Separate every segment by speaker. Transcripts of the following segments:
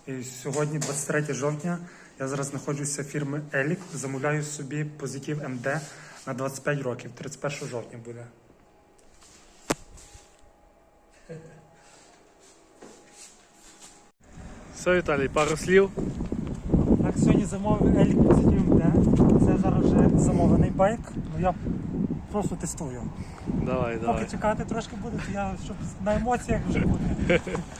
Speaker 1: І сьогодні, 23 жовтня, я зараз знаходжуся в фірмі Елік, замовляю собі позитив МД на 25 років, 31 жовтня буде.
Speaker 2: Все, Віталій, пару слів.
Speaker 1: Так, сьогодні замовив Елік позитив МД. Це зараз вже замовлений байк, але я просто тестую.
Speaker 2: Давай.
Speaker 1: Поки чекати трошки буде, то я щоб на емоціях вже буде.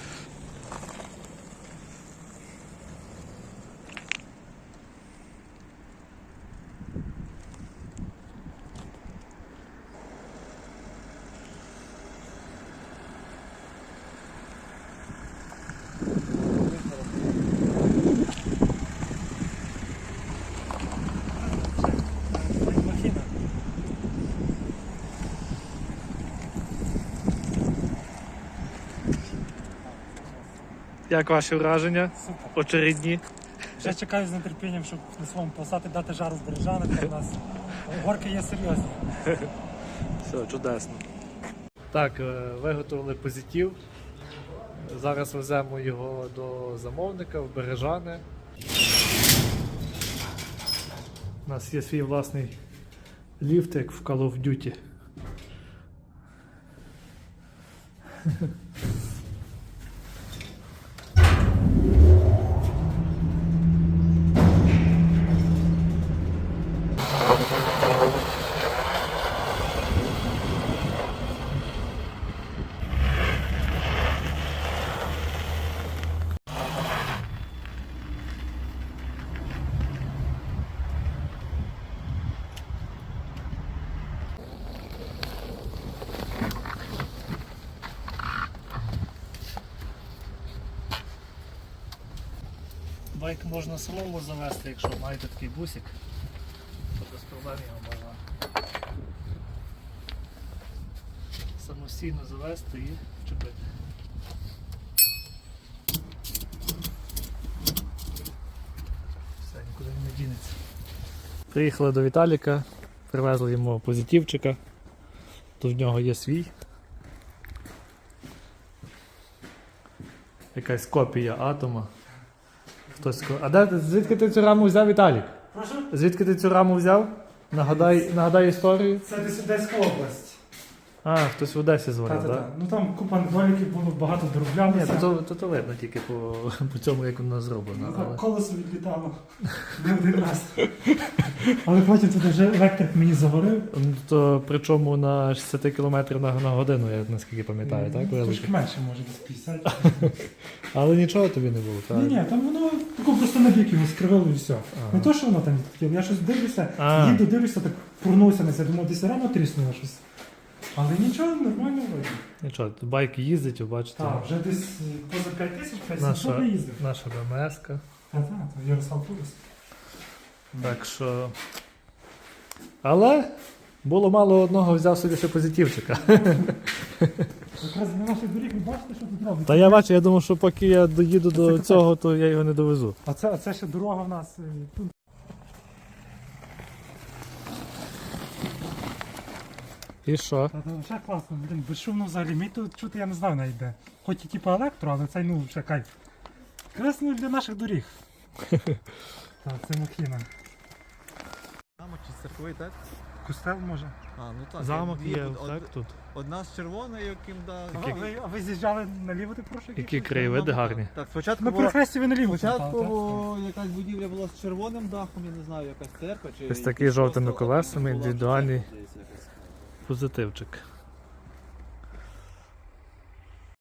Speaker 2: Як ваші враження?
Speaker 1: Супер.
Speaker 2: Очередні.
Speaker 1: Вже чекаю з нетерпінням, щоб на своєму посаді дати жару з Бережанок. У нас горки є серйозні.
Speaker 2: Все, чудесно. Так, виготовили позитив. Зараз веземо його до замовника в Бережани. У нас є свій власний ліфт, як в Call of Duty. Байк можна самому завести, якщо маєте такий бусик, то без проблем його можна самостійно завести і чіпити. Все, нікуди не дінеться. Приїхали до Віталіка, привезли йому позитивчика, тут в нього є свій. Якась копія атома. Звідки ти цю раму взяв, Віталік?
Speaker 1: Прошу?
Speaker 2: Звідки ти цю раму взяв? Нагадай історію.
Speaker 1: Це десь Одеська область.
Speaker 2: А, хтось в Одесі дзвонив, так?
Speaker 1: Так? Ну там купа недоліків було, багато дороблялося.
Speaker 2: Ні, то видно тільки по цьому, як воно зроблено.
Speaker 1: Ну, колесо відлітало не один раз. Але потім тут вже електрик мені загорив.
Speaker 2: То причому на 60 км на годину, я наскільки пам'ятаю, так?
Speaker 1: Трошки менше, може, десь 50.
Speaker 2: Але нічого тобі не було, так?
Speaker 1: Ні, там воно тако просто на бік його скривило і все. Не то, що воно там відхотіло, я щось дивлюся, дивлюся, так пурнувся на це, думав, десь рано тріснуло щось. Але нічого, нормально вийде.
Speaker 2: Нічого, байк їздить, ви бачите.
Speaker 1: Так, вже десь поза 5000, 5700 не їздив.
Speaker 2: Наша БМС-ка.
Speaker 1: Так, то Ярослав Пулис.
Speaker 2: Так що... Але було мало одного, взяв собі ще позитивчика.
Speaker 1: Якраз для наших доріг ви бачите, що тут робить.
Speaker 2: Та я бачу, я думав, що поки я доїду до цього, то я його не довезу.
Speaker 1: А це ще дорога в нас тут.
Speaker 2: І що?
Speaker 1: Та ще класно, блин, безшумно взагалі. Мій тут чути, я не знаю навіть де. Хоч і типу електро, але цей ну ще кайф. Красно для наших доріг. Так, це Махіна.
Speaker 3: Замок чи церкви, так?
Speaker 1: Костел може.
Speaker 3: А, ну так.
Speaker 2: Замок
Speaker 3: дві,
Speaker 2: є,
Speaker 3: од-
Speaker 2: так, тут.
Speaker 3: Одна з червоною, яким да.
Speaker 1: А ви з'їжджали наліво, ти прошу?
Speaker 2: Які краєвиди гарні.
Speaker 3: Так, спочатку
Speaker 1: На
Speaker 3: була,
Speaker 1: перехресті ви наліво.
Speaker 3: спочатку
Speaker 1: повертали,
Speaker 3: якась будівля була з червоним дахом, я не знаю, якась церква чи...
Speaker 2: Ось такий жовтими
Speaker 3: просто
Speaker 2: колесами,
Speaker 3: була
Speaker 2: індивідуальний
Speaker 3: церква десь якась.
Speaker 2: позитивчик.